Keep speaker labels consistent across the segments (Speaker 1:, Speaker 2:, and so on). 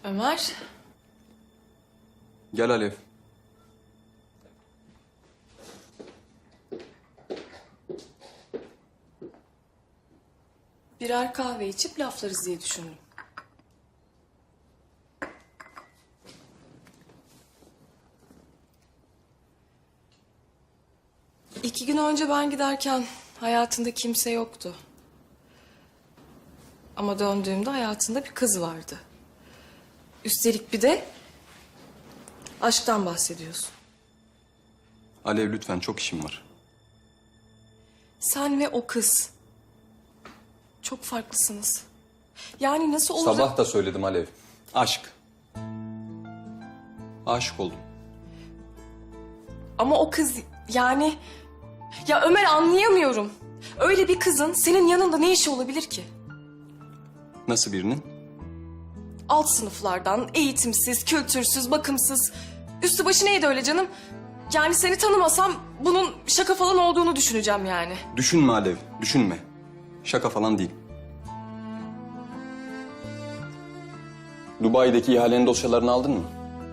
Speaker 1: Ömer.
Speaker 2: Gel Alev.
Speaker 1: Birer kahve içip laflarız diye düşündüm. İki gün önce ben giderken hayatında kimse yoktu. Ama döndüğümde hayatında bir kız vardı. Üstelik bir de aşktan bahsediyorsun.
Speaker 2: Alev lütfen, çok işim var.
Speaker 1: Sen ve o kız çok farklısınız. Yani nasıl olur?
Speaker 2: Sabah da söyledim Alev. Aşk. Aşık oldum.
Speaker 1: Ama o kız yani... Ya Ömer, anlayamıyorum. Öyle bir kızın senin yanında ne işi olabilir ki?
Speaker 2: Nasıl birinin?
Speaker 1: Alt sınıflardan, eğitimsiz, kültürsüz, bakımsız. Üstü başı neydi öyle canım? Yani seni tanımasam bunun şaka falan olduğunu düşüneceğim yani.
Speaker 2: Düşünme Alev, düşünme. Şaka falan değil. Dubai'deki ihalenin dosyalarını aldın mı?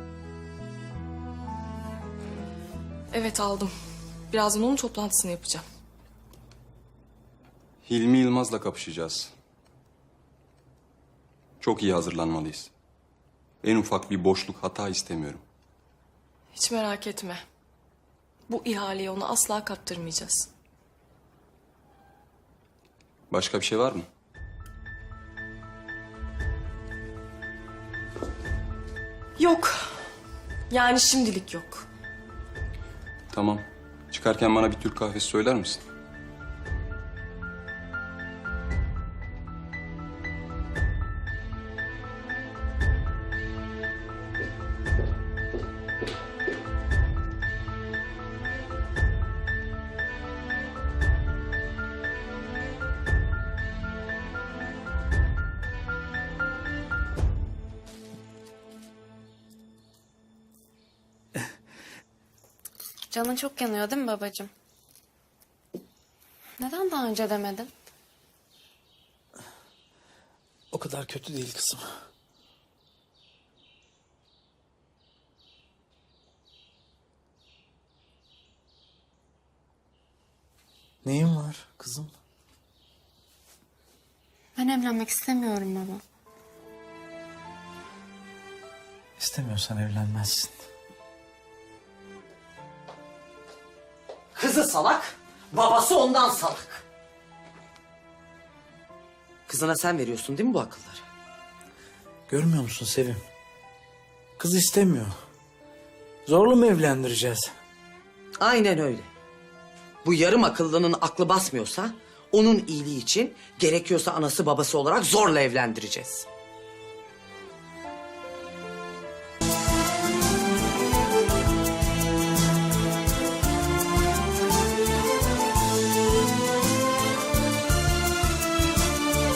Speaker 1: Evet, aldım. Birazdan onun toplantısını yapacağım.
Speaker 2: Hilmi Yılmaz'la kapışacağız. Çok iyi hazırlanmalıyız. En ufak bir boşluk, hata istemiyorum.
Speaker 1: Hiç merak etme. Bu ihaleyi ona asla kaptırmayacağız.
Speaker 2: Başka bir şey var mı?
Speaker 1: Yok. Yani şimdilik yok.
Speaker 2: Tamam. Çıkarken bana bir Türk kahvesi söyler misin?
Speaker 3: Canın çok yanıyor değil mi babacığım? Neden daha önce demedin?
Speaker 4: O kadar kötü değil kızım. Neyin var kızım?
Speaker 3: Ben evlenmek istemiyorum baba.
Speaker 4: İstemiyorsan evlenmezsin.
Speaker 5: Kızı salak, babası ondan salak. Kızına sen veriyorsun değil mi bu akılları?
Speaker 4: Görmüyor musun Sevim? Kız istemiyor. Zorla mı evlendireceğiz?
Speaker 5: Aynen öyle. Bu yarım akıllının aklı basmıyorsa... ...onun iyiliği için gerekiyorsa anası babası olarak zorla evlendireceğiz.